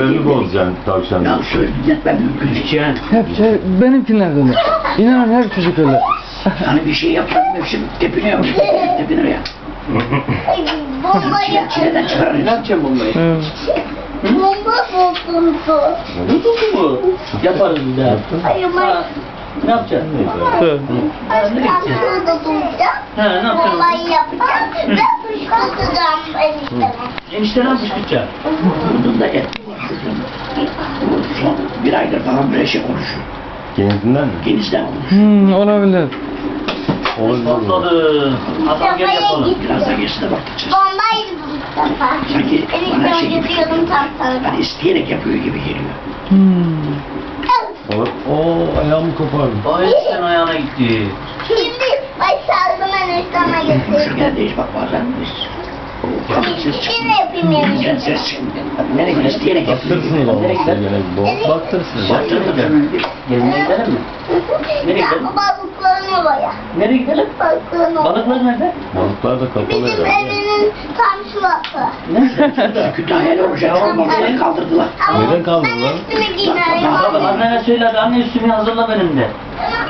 Sinirlerini bozacaksın tavşan. Ya söyletmem mümkün değil. Hep benimkiler de öyle. İnanın her çocuk öyle. Yani bir şey yapmadım hepsi tepiniyor. Tepinir ya. Bomba Çileden çıkarır. Ne yapacağım bombayı? Evet. Bomba bozuldu. Bu mu? Yaparız bir daha. Hayır Ha, ne yapacaksın? Evet. ben da duracağım. Ha, ne yapacaksın? Bombayı yapacağım ve fışkırtacağım enişteme. Enişte ne yapacak? Vurdum da et. Son bir aydır falan böyle şey konuşuyor. Kendinden mi? Genizden konuşuyor. Olabilir. Olabilir. Patladı. Hasan gel yapalım. Biraz da geçti de bakacağız. Bombaydı bu Mustafa. Sanki bana Eniştem şey gibi. yapıyordum tam sana. Hani isteyerek yapıyor gibi geliyor. Olur. Oo ayağımı kopardım. Ay sen ayağına gitti. Şimdi baş saldım enişteme getirdim. Konuşurken de hiç bak bazen biz. Ses çıkıyor. Yine yapayım Yani enişte. ses çıkmıyor. Nereye gidiyor? İsteyerek yapıyor. Baktırsınız ama size gene. Baktırsınız. Baktırdım. Gezmeye gidelim mi? Nereye Ya gidelim? balıkların oraya. Nereye gidelim? Balıkların oraya. Balıklar nerede? Balıklar da kapalı Bizim herhalde. evinin tam şurası. Nerede? Kütahyalı olacak. Balıkları kaldırdılar. Ama Neden kaldın ben lan? üstümü giymem. Annene söyle hadi anne üstümü hazırla benim de.